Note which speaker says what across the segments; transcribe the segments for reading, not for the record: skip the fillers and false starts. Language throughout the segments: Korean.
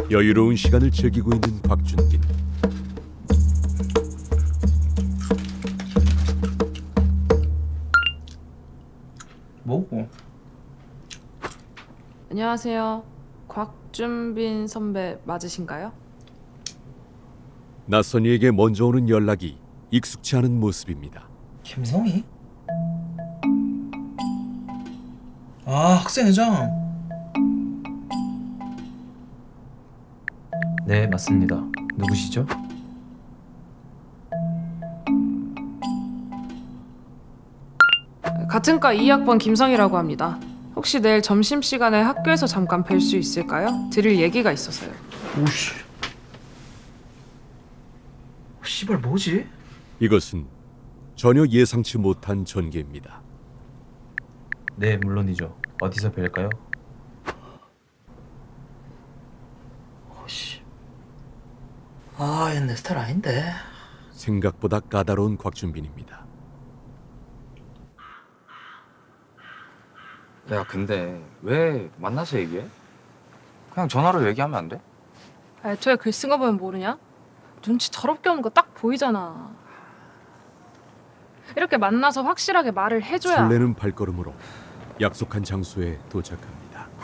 Speaker 1: 여유로운 시간을 즐기고 있는 곽준빈.
Speaker 2: 뭐고?
Speaker 3: 안녕하세요. 곽준빈 선배 맞으신가요?
Speaker 1: 낯선 이에게 먼저 오는 연락이 익숙치 않은 모습입니다.
Speaker 2: 김성희? 아, 학생회장.
Speaker 4: 네, 맞습니다. 누구시죠?
Speaker 3: 같은 과 2학번 김성희라고 합니다. 혹시 내일 점심시간에 학교에서 잠깐 뵐 수 있을까요? 드릴 얘기가 있어서요.
Speaker 2: 오씨. 씨발 뭐지?
Speaker 1: 이것은 전혀 예상치 못한 전개입니다.
Speaker 4: 네, 물론이죠. 어디서 뵐까요?
Speaker 2: 오씨. 아, 얘 내 스타일 아닌데.
Speaker 1: 생각보다 까다로운 곽준빈입니다.
Speaker 5: 야, 근데 왜 만나서 얘기해? 그냥 전화로 얘기하면 안 돼?
Speaker 3: 애초에 글 쓴 거 보면 모르냐? 눈치 더럽게 오는 거 딱 보이잖아. 이렇게 만나서 확실하게 말을 해줘야.
Speaker 1: 설레는 발걸음으로 약속한 장소에 도착합니다.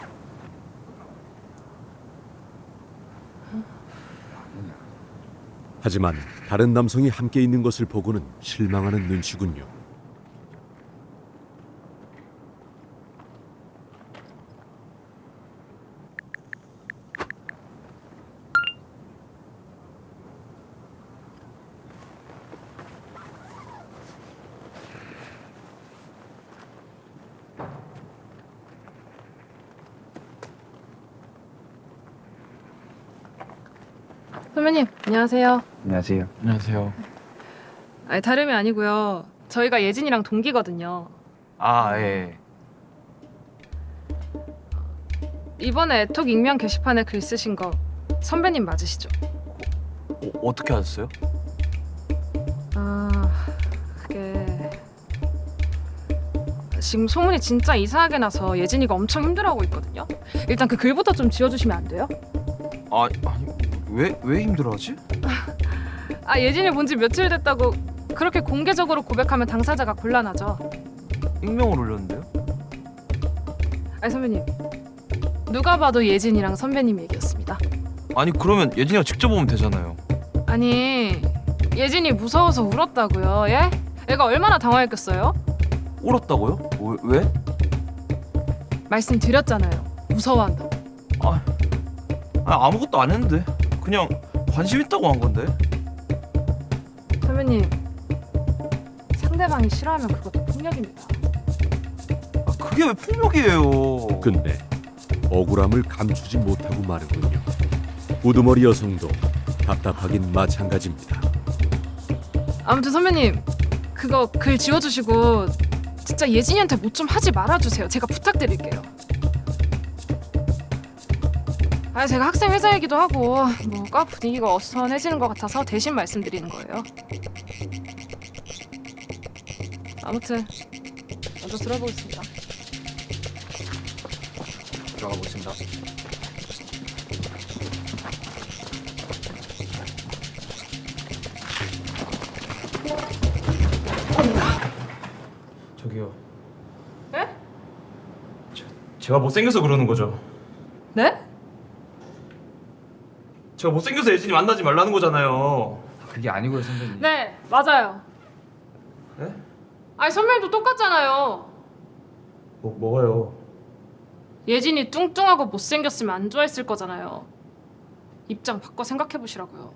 Speaker 1: 하지만 다른 남성이 함께 있는 것을 보고는 실망하는 눈치군요.
Speaker 3: 선배님 안녕하세요.
Speaker 5: 안녕하세요. 안녕하세요.
Speaker 3: 아니 다름이 아니고요. 저희가 예진이랑 동기거든요.
Speaker 5: 아, 예.
Speaker 3: 이번에 애톡 익명 게시판에 글 쓰신 거 선배님 맞으시죠?
Speaker 5: 어떻게 하셨어요?
Speaker 3: 아, 그게 지금 소문이 진짜 이상하게 나서 예진이가 엄청 힘들어하고 있거든요. 일단 그 글부터 좀 지워주시면 안 돼요?
Speaker 5: 아니, 왜 힘들어하지?
Speaker 3: 아, 예진이 본 지 며칠 됐다고 그렇게 공개적으로 고백하면 당사자가 곤란하죠.
Speaker 5: 익명을 올렸는데요?
Speaker 3: 아니 선배님, 누가 봐도 예진이랑 선배님 얘기였습니다.
Speaker 5: 아니, 그러면 예진이가 직접 오면 되잖아요.
Speaker 3: 아니, 예진이 무서워서 울었다고요, 예? 애가 얼마나 당황했겠어요?
Speaker 5: 울었다고요? 왜?
Speaker 3: 말씀드렸잖아요. 무서워한다고.
Speaker 5: 아무것도 안 했는데. 그냥 관심 있다고 한 건데.
Speaker 3: 선배님, 상대방이 싫어하면 그것도 폭력입니다.
Speaker 5: 그게 왜 폭력이에요?
Speaker 1: 근데 억울함을 감추지 못하고 마는군요. 우두머리 여성도 답답하긴 마찬가지입니다.
Speaker 3: 아무튼 선배님, 그거 글 지워주시고 진짜 예진이한테 뭐 좀 하지 말아주세요. 제가 부탁드릴게요. 아, 제가 학생 회사이기도 하고 뭐과 분위기가 어수선해지는 것 같아서 대신 말씀드리는 거예요. 아무튼 먼저 들어보겠습니다.
Speaker 5: 들어가 보겠습니다.
Speaker 4: 저기요.
Speaker 3: 네?
Speaker 4: 제가 못생겨서 그러는 거죠.
Speaker 3: 네?
Speaker 4: 제가 못생겨서 예진이 만나지 말라는 거잖아요.
Speaker 5: 그게 아니고요, 선배님.
Speaker 3: 네, 맞아요.
Speaker 4: 네?
Speaker 3: 아니 선배님도 똑같잖아요.
Speaker 4: 뭐가요?
Speaker 3: 예진이 뚱뚱하고 못생겼으면 안 좋아했을 거잖아요. 입장 바꿔 생각해 보시라고요.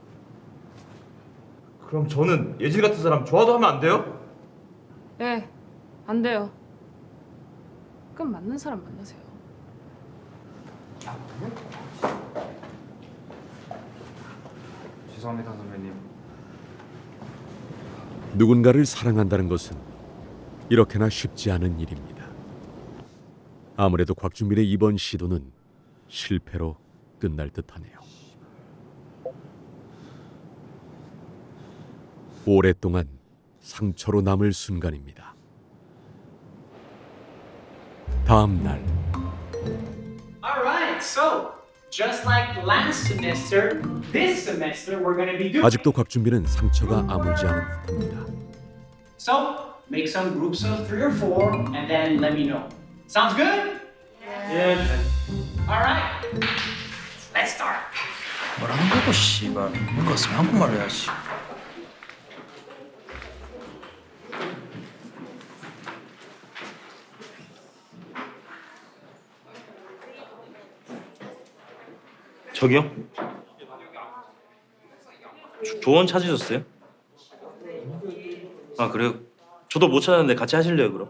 Speaker 4: 그럼 저는 예진 같은 사람 좋아도 하면 안 돼요?
Speaker 3: 네, 안 돼요. 그럼 맞는 사람 만나세요.
Speaker 5: 죄송합니다, 선배님.
Speaker 1: 누군가를 사랑한다는 것은 이렇게나 쉽지 않은 일입니다. 아무래도 곽준빈의 이번 시도는 실패로 끝날 듯하네요. 오랫동안 상처로 남을 순간입니다. 다음 날
Speaker 6: All right, so Just like last semester, this semester we're going to be doing.
Speaker 1: 아직도 곽준빈은 상처가 아물지 않은 듯합니다.
Speaker 6: So, make some groups of 3 or 4 and then let me know. Sounds good? Yeah. All right. Let's start.
Speaker 2: 뭐라는 거고 씨발. 뭔가 없으면 한국말로 해야지.
Speaker 7: 저기요? 조언 찾으셨어요? 아 그래요? 저도 못 찾았는데 같이 하실래요 그럼?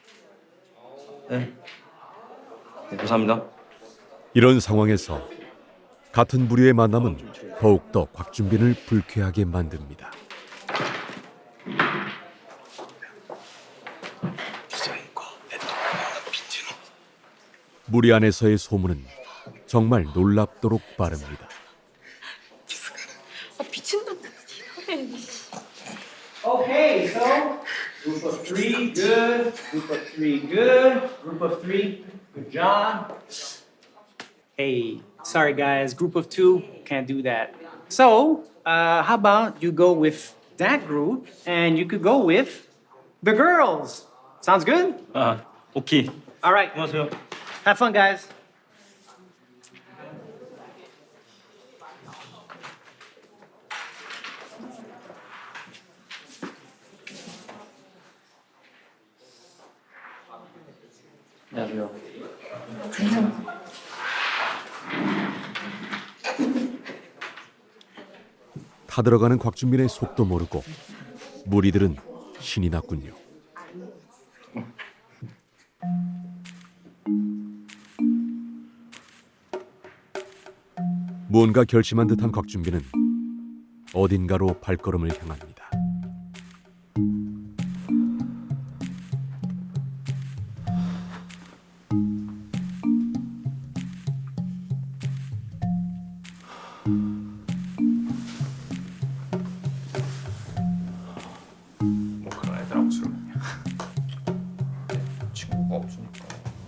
Speaker 7: 네. 네 감사합니다.
Speaker 1: 이런 상황에서 같은 부류의 만남은 더욱더 곽준빈을 불쾌하게 만듭니다. 무리 안에서의 소문은 정말 놀랍도록 빠릅니다.
Speaker 6: Okay, so group of 3, good. Group of 3, good. Group of 3, good job. Hey, sorry guys, group of 2 can't do that. So, how about you go with that group and you could go with the girls? Sounds good?
Speaker 7: 아 오케이.
Speaker 6: All right,
Speaker 7: 안녕하세요.
Speaker 6: have fun, guys.
Speaker 2: 안녕하세요.
Speaker 1: 타들어가는 곽준빈의 속도 모르고 무리들은 신이 났군요. 무언가 결심한 듯한 곽준빈은 어딘가로 발걸음을 향합니다.
Speaker 5: 뭐 그런 애들하고 술 먹냐? 친구가 없으니까.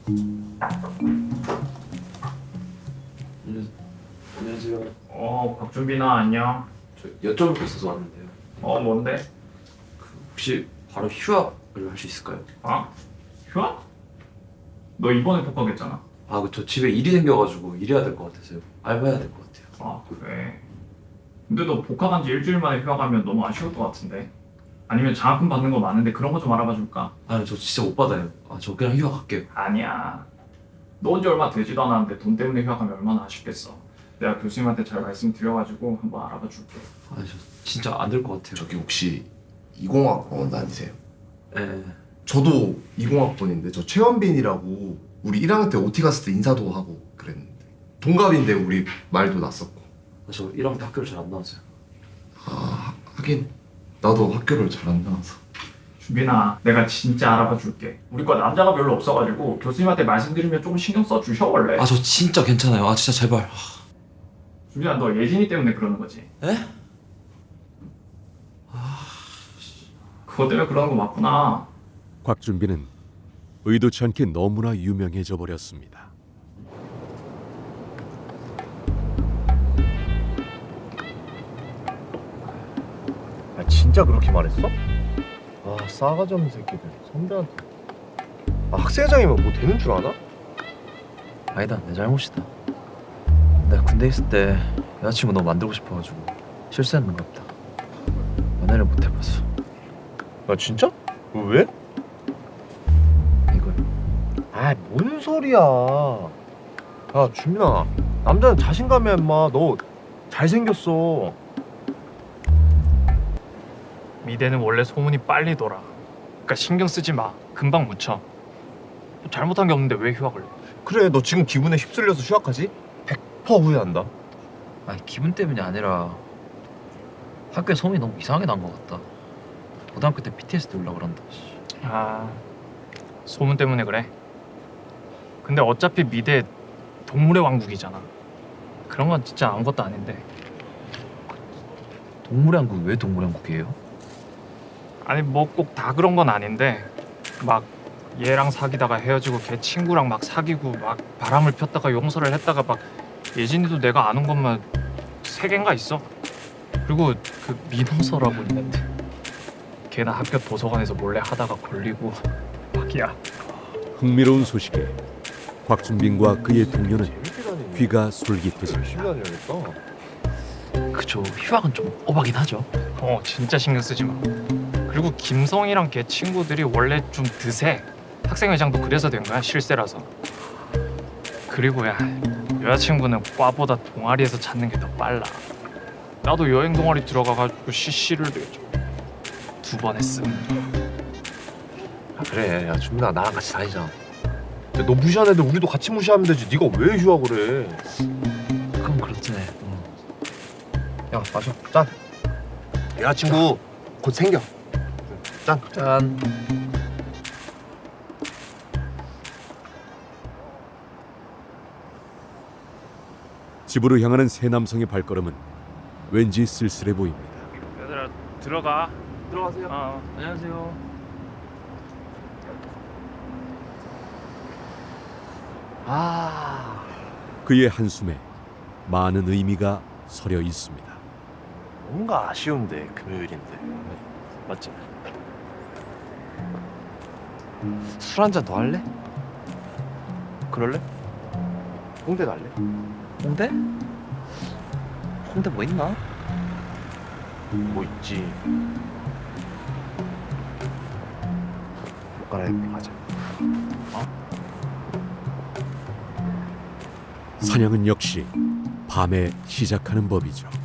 Speaker 4: 어, 곽준빈아 안녕.
Speaker 5: 저 여쭤볼 게 있어서 왔는데요.
Speaker 4: 뭔데?
Speaker 5: 혹시 바로 휴학을 할 수 있을까요?
Speaker 4: 어? 휴학? 너 이번에 복학했잖아.
Speaker 5: 아, 저 집에 일이 생겨가지고 일해야 될 것 같아서요. 알바해야 될 것 같아요.
Speaker 4: 아 그래. 근데 너 복학한 지 일주일 만에 휴학하면 너무 아쉬울 것 같은데. 아니면 장학금 받는 거 많은데 그런 거 좀 알아봐 줄까?
Speaker 5: 아니, 저 진짜 못 받아요. 아, 저 그냥 휴학할게요.
Speaker 4: 아니야. 너 온 지 얼마 되지도 않았는데 돈 때문에 휴학하면 얼마나 아쉽겠어. 내가 교수님한테 잘 말씀드려가지고 한번 알아봐 줄게.
Speaker 5: 아니, 저 진짜 안 될 것 같아요.
Speaker 8: 저기 혹시 20학번 아니세요?
Speaker 5: 네.
Speaker 8: 저도 20학번인데 저 최원빈이라고 우리 1학년 때 OT 갔을 때 인사도 하고 그랬는데 동갑인데 우리 말도 났었고.
Speaker 5: 저 1학년 때 학교를 잘 안 나왔어요.
Speaker 8: 아 하긴 나도 학교를 잘 안 나와서.
Speaker 4: 준빈아, 내가 진짜 알아봐 줄게. 우리 과 남자가 별로 없어가지고 교수님한테 말씀드리면 조금 신경 써 주셔 원래.
Speaker 5: 아, 저 진짜 괜찮아요. 아, 진짜 제발.
Speaker 4: 준빈아, 너 예진이 때문에 그러는 거지?
Speaker 5: 에?
Speaker 4: 그거 때문에 그러는 거 맞구나.
Speaker 1: 곽준빈은 의도치 않게 너무나 유명해져 버렸습니다.
Speaker 9: 아 진짜 그렇게 말했어? 아 싸가지 없는 새끼들 선배한테. 아 학생회장이면 뭐 되는 줄 아나?
Speaker 2: 아니다, 내 잘못이다. 내가 군대 있을 때 여자친구 너무 만들고 싶어가지고 실수했는 것 같다. 연애를 못 해봤어.
Speaker 9: 아 진짜? 왜?
Speaker 2: 이걸.
Speaker 9: 아 뭔 소리야. 야 준민아, 남자는 자신감이야 임마. 너 잘생겼어.
Speaker 10: 미대는 원래 소문이 빨리 돌아. 그러니까 신경 쓰지 마. 금방 묻혀. 뭐 잘못한 게 없는데 왜 휴학을 해?
Speaker 9: 그래 너 지금 기분에 휩쓸려서 휴학하지? 100% 후회한다.
Speaker 2: 아니 기분 때문이 아니라 학교에 소문이 너무 이상하게 난 것 같다. 고등학교 때 PTSD 올라 그런다.
Speaker 10: 아, 소문 때문에 그래? 근데 어차피 미대 동물의 왕국이잖아. 그런 건 진짜 아무것도 아닌데.
Speaker 2: 동물의 왕국 왜 동물의 왕국이에요?
Speaker 10: 아니 뭐 꼭 다 그런 건 아닌데 막 얘랑 사귀다가 헤어지고 걔 친구랑 막 사귀고 막 바람을 폈다가 용서를 했다가 막 예진이도 내가 아는 것만 3개인가 있어. 그리고 그 민호서라고 있는데 걔나 학교 도서관에서 몰래 하다가 걸리고 막이야.
Speaker 1: 흥미로운 소식에 곽준빈과 그의 동료는
Speaker 9: 재밌게 다니네.
Speaker 1: 귀가
Speaker 9: 열심히
Speaker 1: 솔깃해집니다.
Speaker 9: 다녀야겠다.
Speaker 2: 그쵸. 휴학은 좀 오바긴 하죠.
Speaker 10: 진짜 신경 쓰지 마. 그리고 김성이랑 걔 친구들이 원래 좀 드세. 학생회장도 그래서 된 거야, 실세라서. 그리고 야, 여자친구는 과보다 동아리에서 찾는 게 더 빨라. 나도 여행 동아리 들어가가지고 CC를 2번 했음.
Speaker 9: 아, 그래, 야 준민아 나랑 같이 다니자. 야, 너 무시한 애들 우리도 같이 무시하면 되지. 네가 왜 휴학을 해?
Speaker 2: 그건 그렇지.
Speaker 9: 야 마셔. 짠. 여자친구 곧 생겨. 짠.
Speaker 2: 짠.
Speaker 1: 집으로 향하는 세 남성의 발걸음은 왠지 쓸쓸해 보입니다.
Speaker 10: 얘들아 들어가.
Speaker 9: 들어가세요.
Speaker 10: 안녕하세요.
Speaker 9: 아
Speaker 1: 그의 한숨에 많은 의미가 서려 있습니다.
Speaker 9: 뭔가 아쉬운데 금요일인데. 맞지? 술 한 잔 더 할래? 그럴래? 홍대 갈래?
Speaker 2: 홍대? 홍대 뭐 있나?
Speaker 9: 뭐 있지. 옷 갈아입고 가자.
Speaker 1: 사냥은 역시 밤에 시작하는 법이죠.